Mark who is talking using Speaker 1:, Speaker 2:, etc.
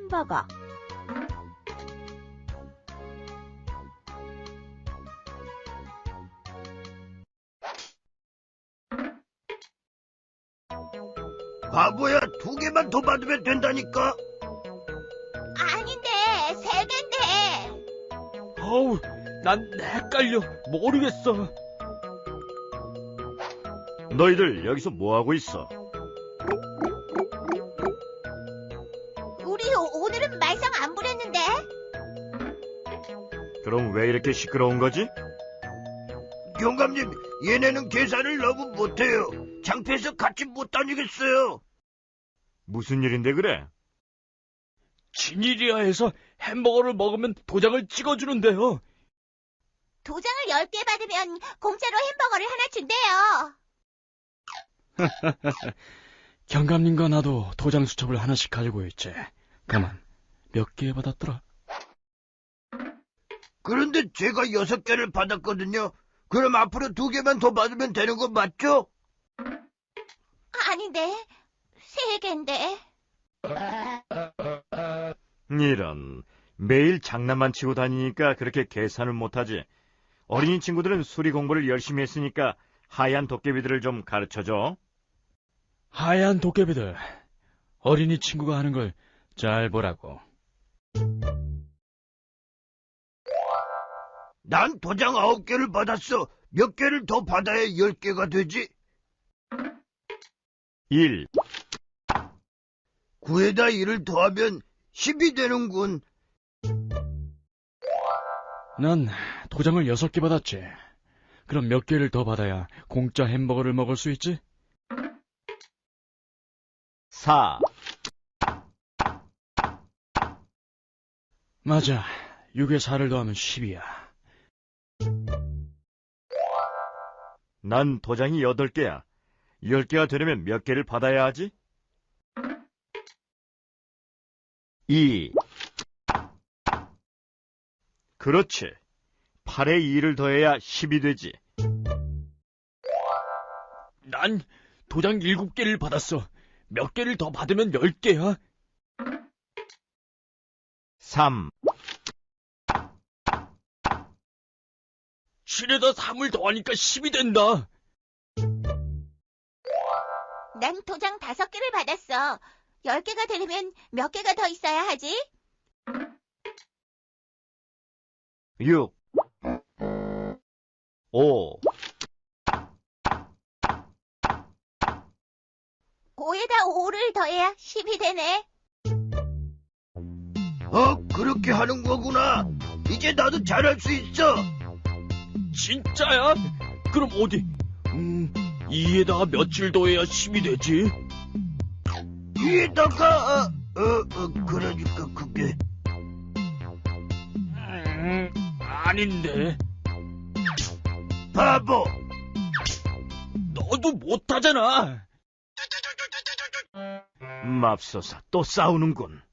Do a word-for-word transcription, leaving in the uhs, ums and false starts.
Speaker 1: 햄버거.
Speaker 2: 바보야, 두 개만 더 받으면 된다니까.
Speaker 3: 아닌데, 세 갠데.
Speaker 4: 어우, 난 헷갈려. 모르겠어.
Speaker 2: 너희들 여기서 뭐 하고 있어?
Speaker 3: 우리 오- 오늘은 말썽 안 부렸는데?
Speaker 2: 그럼 왜 이렇게 시끄러운 거지? 경감님, 얘네는 계산을 너무 못해요. 창피해서 같이 못 다니겠어요. 무슨 일인데 그래?
Speaker 4: 지니리아에서 햄버거를 먹으면 도장을 찍어주는데요.
Speaker 3: 도장을 열 개 받으면 공짜로 햄버거를 하나 준대요.
Speaker 4: 경감님과 나도 도장 수첩을 하나씩 가지고 있지. 가만, 몇 개 받았더라?
Speaker 2: 그런데 제가 여섯 개를 받았거든요. 그럼 앞으로 두 개만 더 받으면 되는 거 맞죠?
Speaker 3: 아닌데, 세 갠데.
Speaker 2: 이런, 매일 장난만 치고 다니니까 그렇게 계산을 못하지. 어린이 친구들은 수리 공부를 열심히 했으니까 하얀 도깨비들을 좀 가르쳐줘.
Speaker 4: 하얀 도깨비들, 어린이 친구가 하는 걸 잘 보라고.
Speaker 2: 난 도장 아홉 개를 받았어. 몇 개를 더 받아야 열 개가 되지? 일. 구에다 일을 더하면 십이 되는군.
Speaker 4: 난 도장을 여섯 개 받았지. 그럼 몇 개를 더 받아야 공짜 햄버거를 먹을 수 있지?
Speaker 2: 사.
Speaker 4: 맞아. 육에 사를 더하면 십이야.
Speaker 2: 난 도장이 여덟 개야. 열 개가 되려면 몇 개를 받아야 하지? 이. 그렇지. 팔에 이를 더해야 십이 되지.
Speaker 4: 난 도장 일곱 개를 받았어. 몇 개를 더 받으면 열 개야?
Speaker 2: 삼.
Speaker 4: 칠에다 삼을 더하니까 십이 된다.
Speaker 3: 난 도장 다섯 개를 받았어. 열 개가 되려면 몇 개가 더 있어야 하지?
Speaker 2: 육. 오.
Speaker 3: 오에다 오를 더해야 십이 되네.
Speaker 2: 어, 그렇게 하는 거구나. 이제 나도 잘할 수 있어.
Speaker 4: 진짜야? 그럼 어디? 음, 이에다가 며칠 더해야 십이 되지?
Speaker 2: 위에다가, 어, 어, 어, 그러니까 그게.
Speaker 4: 음, 아닌데.
Speaker 2: 바보.
Speaker 4: 너도 못하잖아.
Speaker 2: 맙소사, 또 싸우는군.